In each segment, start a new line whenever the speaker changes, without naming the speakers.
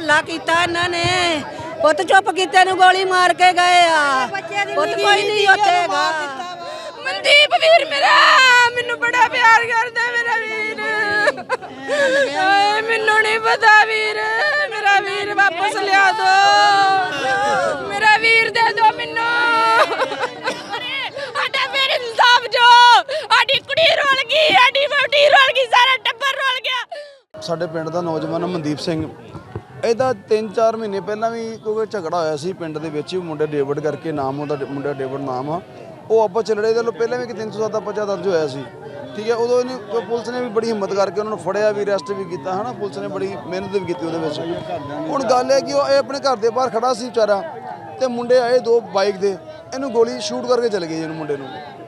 ਹੱਲਾ ਕੀਤਾ ਇਹਨਾਂ ਨੇ। ਪੁੱਤ ਚੁੱਪ ਕੀਤੇ ਨੂੰ ਗੋਲੀ ਮਾਰ ਕੇ ਗਏ ਆ। ਪੁੱਤ ਕੋਈ ਨਹੀਂ ਉੱਥੇ ਹੈਗਾ।
ਮਨਦੀਪ ਵੀਰ ਮੇਰਾ ਮੈਨੂੰ ਬੜਾ ਪਿਆਰ ਕਰਦਾ ਮੇਰਾ ਵੀਰ। ਮੈਨੂੰ ਨਹੀਂ ਪਤਾ ਵੀਰ, ਮੇਰਾ ਵੀਰ ਵਾਪਸ ਲਿਆ ਦੋ, ਮੇਰਾ ਵੀਰ ਦੇ ਦੋ ਮੈਨੂੰ। ਸਾਡਾ ਫਿਰ ਇਨਸਾਫ ਜੋ, ਸਾਡੀ ਕੁੜੀ ਰੁਲ ਗਈ, ਸਾਡੀ ਵਹੁਟੀ ਰੁਲ ਗਈ, ਸਾਰਾ ਟੱਬਰ ਰੁਲ ਗਿਆ।
ਸਾਡੇ ਪਿੰਡ ਦਾ ਨੌਜਵਾਨ ਮਨਦੀਪ ਸਿੰਘ, ਇਹਦਾ 3-4 ਮਹੀਨੇ ਪਹਿਲਾਂ ਵੀ ਕੋਈ ਝਗੜਾ ਹੋਇਆ ਸੀ ਪਿੰਡ ਦੇ ਵਿੱਚ। ਮੁੰਡਾ ਡੇਵਿਡ ਕਰਕੇ ਨਾਮ, ਉਹਦਾ ਮੁੰਡਾ ਡੇਵਿਡ ਨਾਮ ਆ। ਉਹ ਆਪਸ ਚ ਲੜੇ। ਇਹਦੇ ਤੋਂ ਪਹਿਲਾਂ ਵੀ ਕਿ 307 ਦਾ ਪਰਚਾ ਦਰਜ ਹੋਇਆ ਸੀ, ਠੀਕ ਹੈ। ਉਦੋਂ ਇਹਨੇ ਪੁਲਿਸ ਨੇ ਵੀ ਬੜੀ ਹਿੰਮਤ ਕਰਕੇ ਉਹਨਾਂ ਨੂੰ ਫੜਿਆ ਵੀ, ਅਰੈਸਟ ਵੀ ਕੀਤਾ ਹੈ ਨਾ। ਪੁਲਿਸ ਨੇ ਬੜੀ ਮਿਹਨਤ ਵੀ ਕੀਤੀ ਉਹਦੇ ਵਿੱਚ। ਹੁਣ ਗੱਲ ਹੈ ਕਿ ਉਹ ਇਹ ਆਪਣੇ ਘਰ ਦੇ ਬਾਹਰ ਖੜਾ ਸੀ ਵਿਚਾਰਾ, ਤੇ ਮੁੰਡੇ ਆਏ 2 ਬਾਈਕ ਦੇ, ਇਹਨੂੰ ਗੋਲੀ ਸ਼ੂਟ ਕਰਕੇ ਚਲੇ ਗਏ ਇਹਨੂੰ ਮੁੰਡੇ ਨੂੰ।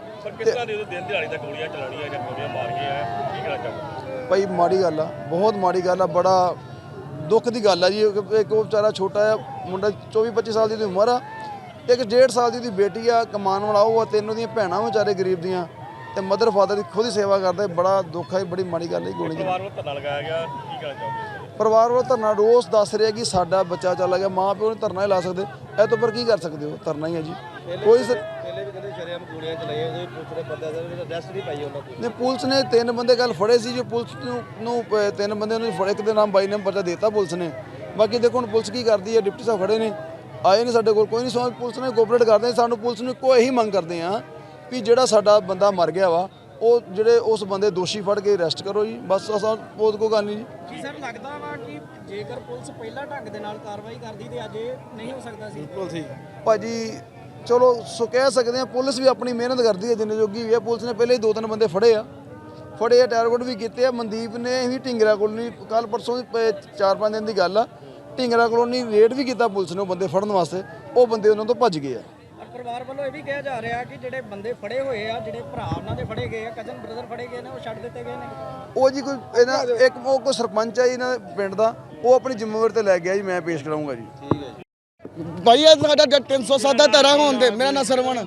ਭਾਈ ਮਾੜੀ ਗੱਲ ਆ, ਬਹੁਤ ਮਾੜੀ ਗੱਲ ਆ, ਬੜਾ ਦੁੱਖ ਦੀ ਗੱਲ ਆ ਜੀ। ਇੱਕ ਉਹ ਵਿਚਾਰਾ ਛੋਟਾ ਜਿਹਾ ਮੁੰਡਾ 24-25 ਸਾਲ ਦੀ ਉਮਰ ਆ, ਇੱਕ 1.5 ਸਾਲ ਦੀ ਉਹਦੀ ਬੇਟੀ ਆ, ਕਮਾਉਣ ਵਾਲਾ ਉਹ ਆ, 3 ਉਹਦੀਆਂ ਭੈਣਾਂ ਵਿਚਾਰੇ ਗਰੀਬ ਦੀਆਂ, ਤੇ ਮਦਰ ਫਾਦਰ ਦੀ ਖੁਦ ਹੀ ਸੇਵਾ ਕਰਦਾ। ਬੜਾ ਦੁੱਖ ਹੈ, ਬੜੀ ਮਾੜੀ ਗੱਲ ਹੈ ਗੋਲੀ। ਪਰਿਵਾਰ ਵੱਲੋਂ ਧਰਨਾ ਲਗਾਇਆ ਗਿਆ, ਕੀ ਕਹਿਣਾ ਚਾਹੋਗੇ? ਪਰਿਵਾਰ ਵੱਲੋਂ ਧਰਨਾ ਰੋਸ ਦੱਸ ਰਿਹਾ ਕਿ ਸਾਡਾ ਬੱਚਾ ਚਲਾ ਗਿਆ। ਮਾਂ ਪਿਓ ਨੇ ਧਰਨਾ ਹੀ ਲਾ ਸਕਦੇ, ਇਹ ਤੋਂ ਪਰ ਕੀ ਕਰ ਸਕਦੇ ਹੋ? ਧਰਨਾ ਹੀ ਹੈ ਜੀ। ਕੋਈ ਪਹਿਲੇ ਵੀ ਕਹਿੰਦੇ ਸ਼ਰੇਆਮ ਗੋਲੀਆਂ ਚਲਾਈਆਂ, ਉਹਦੇ ਪੁਲਿਸ ਨੇ ਬੰਦਾ ਅਰੈਸਟ ਨਹੀਂ ਪਾਈ ਉਹਨਾਂ ਕੋਲ। ਨੇ ਪੁਲਿਸ ਨੇ 3 ਬੰਦੇ ਕੱਲ ਫੜੇ ਸੀ, ਜੋ ਪੁਲਿਸ ਨੂੰ 3 ਬੰਦੇ ਨੂੰ ਫੜੇ। ਇੱਕ ਦੇ ਨਾਮ ਬਾਈ ਨੇ ਪਰਚਾ ਦੇਤਾ ਪੁਲਿਸ ਨੇ। ਬਾਕੀ ਦੇਖੋ ਹੁਣ ਪੁਲਿਸ ਕੀ ਕਰਦੀ ਹੈ। ਡਿਪਟੀ ਸਾਹਿਬ ਖੜੇ ਨੇ, ਆਏ ਨਹੀਂ ਸਾਡੇ ਕੋਲ, ਕੋਈ ਨਹੀਂ ਸੋ ਪੁਲਿਸ ਨੇ ਕੋਆਪਰੇਟ ਕਰਦੇ। ਸਾਨੂੰ ਪੁਲਿਸ ਨੂੰ ਕੋਈ ਇਹੀ ਮੰਗ ਕਰਦੇ ਆ ਵੀ ਜਿਹੜਾ ਸਾਡਾ ਬੰਦਾ ਮਰ ਗਿਆ ਵਾ, ਉਹ ਜਿਹੜੇ ਉਸ ਬੰਦੇ ਦੋਸ਼ੀ ਫੜ ਕੇ ਅਰੈਸਟ ਕਰੋ ਜੀ, ਬਸ। ਅਸਾਂ ਬਹੁਤ ਕੋਈ ਗੱਲ ਨਹੀਂ ਜੀ।
ਕੀ ਸਰ ਲੱਗਦਾ ਵਾ ਕਿ ਜੇਕਰ ਪੁਲਿਸ ਪਹਿਲਾਂ ਢੰਗ ਦੇ ਨਾਲ ਕਾਰਵਾਈ ਕਰਦੀ ਤੇ ਅੱਜ ਇਹ ਨਹੀਂ ਹੋ ਸਕਦਾ ਸੀ?
ਬਿਲਕੁਲ ਸਹੀ ਭਾਜੀ, ਚਲੋ ਸੋ ਕਹਿ ਸਕਦੇ ਆ ਪੁਲਿਸ ਵੀ ਆਪਣੀ ਮਿਹਨਤ ਕਰਦੀ ਹੈ ਜਿੰਨੇ ਜੋਗੀ ਵੀ ਹੈ। ਪੁਲਿਸ ਨੇ ਪਹਿਲੇ ਹੀ 2-3 ਬੰਦੇ ਫੜੇ ਆ, ਟਾਰਗੇਟ ਵੀ ਕੀਤੇ ਆ। ਮਨਦੀਪ ਨੇ ਵੀ ਢਿੰਗਰਾ ਕਲੋਨੀ ਕੱਲ ਪਰਸੋਂ 4-5 ਦਿਨ ਦੀ ਗੱਲ ਆ, ਢਿੰਗਰਾ ਕਲੋਨੀ ਰੇਡ ਵੀ ਕੀਤਾ ਪੁਲਿਸ ਨੇ ਉਹ ਬੰਦੇ ਫੜਨ ਵਾਸਤੇ। ਉਹ ਬੰਦੇ ਉਹਨਾਂ ਤੋਂ ਭੱਜ ਗਏ ਆ।
ਪਰਿਵਾਰ ਵੱਲੋਂ ਇਹ ਵੀ ਕਿਹਾ ਜਾ ਰਿਹਾ ਕਿ ਜਿਹੜੇ ਬੰਦੇ ਫੜੇ ਹੋਏ ਆ, ਜਿਹੜੇ ਭਰਾ ਉਹਨਾਂ ਦੇ ਫੜੇ ਗਏ ਆ, ਕਜ਼ਨ ਬ੍ਰਦਰ ਫੜੇ ਗਏ ਨੇ, ਉਹ ਛੱਡ ਦਿੱਤੇ ਗਏ ਨੇ।
ਉਹ ਜੀ ਕੋਈ ਇਹਨਾਂ ਇੱਕ ਉਹ ਕੋਈ ਸਰਪੰਚ ਆ ਜੀ ਇਹਨਾਂ ਦੇ ਪਿੰਡ ਦਾ, ਉਹ ਆਪਣੀ ਜ਼ਿੰਮੇਵਾਰੀ ਤੇ ਲੈ ਗਿਆ ਜੀ। ਮੈਂ ਪੇਸ਼ ਕਰਾਉਂਗਾ ਜੀ। ਠੀਕ ਹੈ ਜੀ।
ਭਾਈ ਇਹ ਸਾਡਾ 307 ਦਾ ਧਾਰਾ ਹੋਣ ਦੇ। ਮੇਰਾ ਨਾਂ ਸਰਵਣ।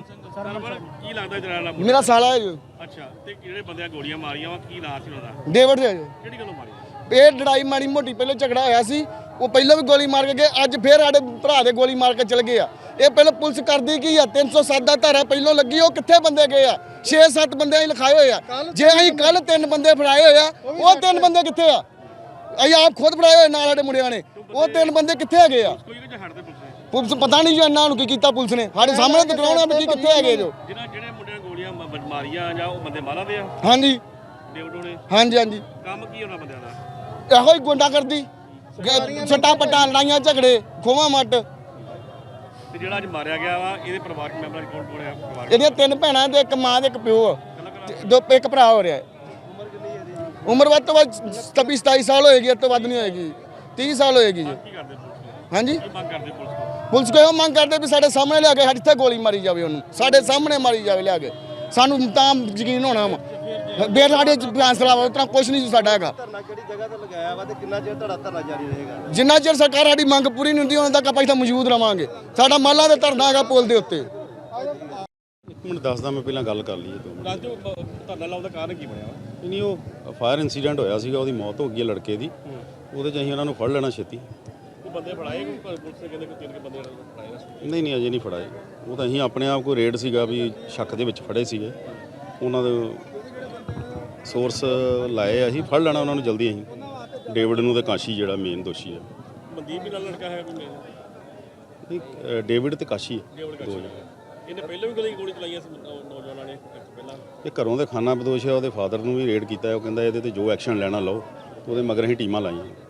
ਕੀ ਲੱਗਦਾ ਜਰਾ
ਮੇਰਾ ਸਾਲਾ ਹੈ ਜੀ।
ਅੱਛਾ, ਤੇ ਜਿਹੜੇ ਬੰਦਿਆਂ ਗੋਲੀਆਂ ਮਾਰੀਆਂ ਵਾ ਕੀ ਨਾਂ ਸੀ ਉਹਨਾਂ ਦਾ?
ਡੇਵਿਡ ਹੈ ਜੀ।
ਕਿਹੜੀ ਗੱਲੋਂ ਮਾਰੀ?
ਇਹ ਲੜਾਈ ਮਾੜੀ ਮੋਟੀ ਪਹਿਲਾਂ ਝਗੜਾ ਹੋਇਆ ਸੀ, ਉਹ ਪਹਿਲਾਂ ਵੀ ਗੋਲੀ ਮਾਰ ਕੇ ਗਏ, ਅੱਜ ਫੇਰ ਸਾਡੇ ਭਰਾ ਦੇ ਗੋਲੀ ਮਾਰ ਕੇ ਚਲ ਗਏ ਆ। ਇਹ ਪਹਿਲਾਂ ਪੁਲਿਸ ਕਰਦੀ ਕੀ ਆ? 307 ਦਾ ਧਾਰਾ ਪਹਿਲਾਂ ਲੱਗੀ, ਉਹ ਕਿੱਥੇ ਬੰਦੇ ਗਏ ਆ? 6-7 ਬੰਦੇ ਅਸੀਂ ਲਿਖਾਏ ਹੋਏ ਆ। ਜੇ ਅਸੀਂ ਕੱਲ 3 ਬੰਦੇ ਫੜਾਏ ਹੋਏ ਆ, ਉਹ 3 ਬੰਦੇ ਕਿੱਥੇ ਆ? ਅਸੀਂ ਆਪ ਖੁਦ ਫੜਾਏ ਹੋਏ ਨਾਲ ਸਾਡੇ ਮੁੰਡਿਆਂ ਨੇ, ਉਹ 3 ਬੰਦੇ ਕਿੱਥੇ ਹੈਗੇ ਆ? ਪੁਲਿਸ ਪਤਾ ਨਹੀਂ ਜੋ ਇਹਨਾਂ ਨੂੰ ਕੀ ਕੀਤਾ ਪੁਲਿਸ ਨੇ, ਸਾਡੇ ਸਾਹਮਣੇ ਦਿਖਾਉਣਾ ਵੀ ਕਿੱਥੇ ਹੈਗੇ ਜੋ।
ਜਿਹੜੇ ਮੁੰਡਿਆਂ ਗੋਲੀਆਂ ਮਾਰੀਆਂ ਜਾਂ ਉਹ ਬੰਦੇ ਮਾਰਾਂ ਦੇ ਆ?
ਹਾਂਜੀ
ਡੇਵਿਡ।
ਹਾਂਜੀ ਹਾਂਜੀ।
ਕੰਮ ਕੀ ਉਹਨਾਂ ਬੰਦਿਆਂ ਦਾ?
ਇਹੋ ਹੀ ਗੁੰਡਾ ਕਰਦੀ, ਛੱਟਾ ਪੱਟਾਂ, ਲੜਾਈਆਂ ਝਗੜੇ, ਖੋਵਾਂ ਮੱਟ।
ਤੇ ਜਿਹੜਾ ਅੱਜ ਮਾਰਿਆ ਗਿਆ ਵਾ, ਇਹਦੇ ਪਰਿਵਾਰਕ ਮੈਂਬਰਾਂ ਚ ਕੌਣ ਆ?
ਇਹਦੀਆਂ 3 ਭੈਣਾਂ ਤੇ 1 ਮਾਂ ਤੇ 1 ਪਿਓ ਆ, 1 ਭਰਾ ਹੋ ਰਿਹਾ। ਉਮਰ ਵੱਧ ਤੋਂ ਵੱਧ 27 ਸਾਲ ਹੋਏਗੀ, ਇਸ ਤੋਂ ਵੱਧ ਨਹੀਂ ਹੋਏਗੀ, 30 ਸਾਲ ਹੋਏਗੀ ਜੀ।
ਕੀ ਕਰਦੇ ਪੁਲਿਸ?
ਹਾਂਜੀ,
ਕੀ ਮੰਗ ਕਰਦੇ ਪੁਲਿਸ ਕੋਲ?
ਪੁਲਿਸ ਕੋਲ ਮੰਗ ਕਰਦੇ ਵੀ ਸਾਡੇ ਸਾਹਮਣੇ ਲਿਆ ਕੇ ਸਾਡੇ ਇੱਥੇ ਗੋਲੀ ਮਾਰੀ ਜਾਵੇ, ਉਹਨੂੰ ਸਾਡੇ ਸਾਹਮਣੇ ਮਾਰੀ ਜਾਵੇ ਲਿਆ ਕੇ, ਸਾਨੂੰ ਤਾਂ ਯਕੀਨ ਹੋਣਾ ਵਾ। ਬੇਰ ਸਾਡੇ ਫੈਸਲਾ ਵਾ, ਉਤਨਾ ਕੁਝ ਨਹੀਂ ਸਾਡਾ ਹੈਗਾ।
ਧਰਨਾ ਕਿਹੜੀ ਜਗ੍ਹਾ ਤੇ ਲਗਾਇਆ ਵਾ ਤੇ ਕਿੰਨਾ ਚਿਰ ਤੁਹਾਡਾ ਧਰਨਾ ਜਾਰੀ ਰਹੇਗਾ?
ਜਿੰਨਾ ਚਿਰ ਸਰਕਾਰ ਸਾਡੀ ਮੰਗ ਪੂਰੀ ਨਹੀਂ ਹੁੰਦੀ ਉਹਨਾਂ ਤੱਕ ਆਪਾਂ ਇੱਥੇ ਮੌਜੂਦ ਰਵਾਂਗੇ। ਸਾਡਾ ਮਾਲਾ ਦੇ ਧਰਨਾ ਹੈਗਾ ਪੁਲ ਦੇ ਉੱਤੇ।
ਇੱਕ ਮਿੰਟ ਦੱਸਦਾ ਮੈਂ, ਪਹਿਲਾਂ ਗੱਲ ਕਰ ਲਈਏ ਤੂੰ।
ਦੱਸ ਦਿਓ ਧਰਨਾ ਲਾਉਣ ਦਾ ਕਾਰਨ ਕੀ ਬਣਿਆ?
ਨਹੀਂ, ਉਹ ਫਾਇਰ ਇਨਸੀਡੈਂਟ ਹੋਇਆ ਸੀਗਾ, ਉਹਦੀ ਮੌਤ ਹੋ ਗਈ ਹੈ ਲੜਕੇ ਦੀ। ਉਹਦੇ 'ਚ ਅਸੀਂ ਉਹਨਾਂ ਨੂੰ ਫੜ ਲੈਣਾ ਛੇਤੀ।
ਕੋਈ ਬੰਦੇ ਫੜਾਏ? ਪੁਲਿਸ ਨੇ ਕਹਿੰਦੇ ਕਿ 3 ਬੰਦੇ ਫੜਾਏ?
ਨਹੀਂ ਅਜੇ ਨਹੀਂ ਫੜਾਏ। ਉਹ ਤਾਂ ਅਸੀਂ ਆਪਣੇ ਆਪ ਕੋਈ ਰੇਡ ਸੀਗਾ ਵੀ ਸ਼ੱਕ ਦੇ ਵਿੱਚ ਫੜੇ ਸੀਗੇ, ਉਹਨਾਂ ਦੇ ਸੋਰਸ ਲਾਏ। ਅਸੀਂ ਫੜ ਲੈਣਾ ਉਹਨਾਂ ਨੂੰ ਜਲਦੀ। ਅਸੀਂ ਡੇਵਿਡ ਨੂੰ ਤੇ ਕਾਸ਼ੀ ਜਿਹੜਾ ਮੇਨ ਦੋਸ਼ੀ ਹੈ।
ਮਨਦੀਪ ਵੀ ਨਾਲ ਲੜਕਾ ਹੈ ਕੋਈ?
ਨਹੀਂ, ਡੇਵਿਡ ਤੇ ਕਾਸ਼ੀ ਹੈ।
ਇਹਨੇ ਪਹਿਲਾਂ ਵੀ ਗੋਲੀ ਚਲਾਈਆਂ ਸੀ ਨੌਜਵਾਨਾਂ ਨੇ ਪਹਿਲਾਂ?
ਇਹ ਘਰੋਂ ਦੇ ਖਾਨਾ ਬਦੋਸ਼ ਹੈ। ਉਹਦੇ ਫਾਦਰ ਨੂੰ ਵੀ ਰੇਡ ਕੀਤਾ, ਉਹ ਕਹਿੰਦਾ ਇਹਦੇ ਤੇ ਜੋ ਐਕਸ਼ਨ ਲੈਣਾ ਲਓ। ਉਹਦੇ ਮਗਰ ਅਸੀਂ ਟੀਮਾਂ ਲਾਈਆਂ।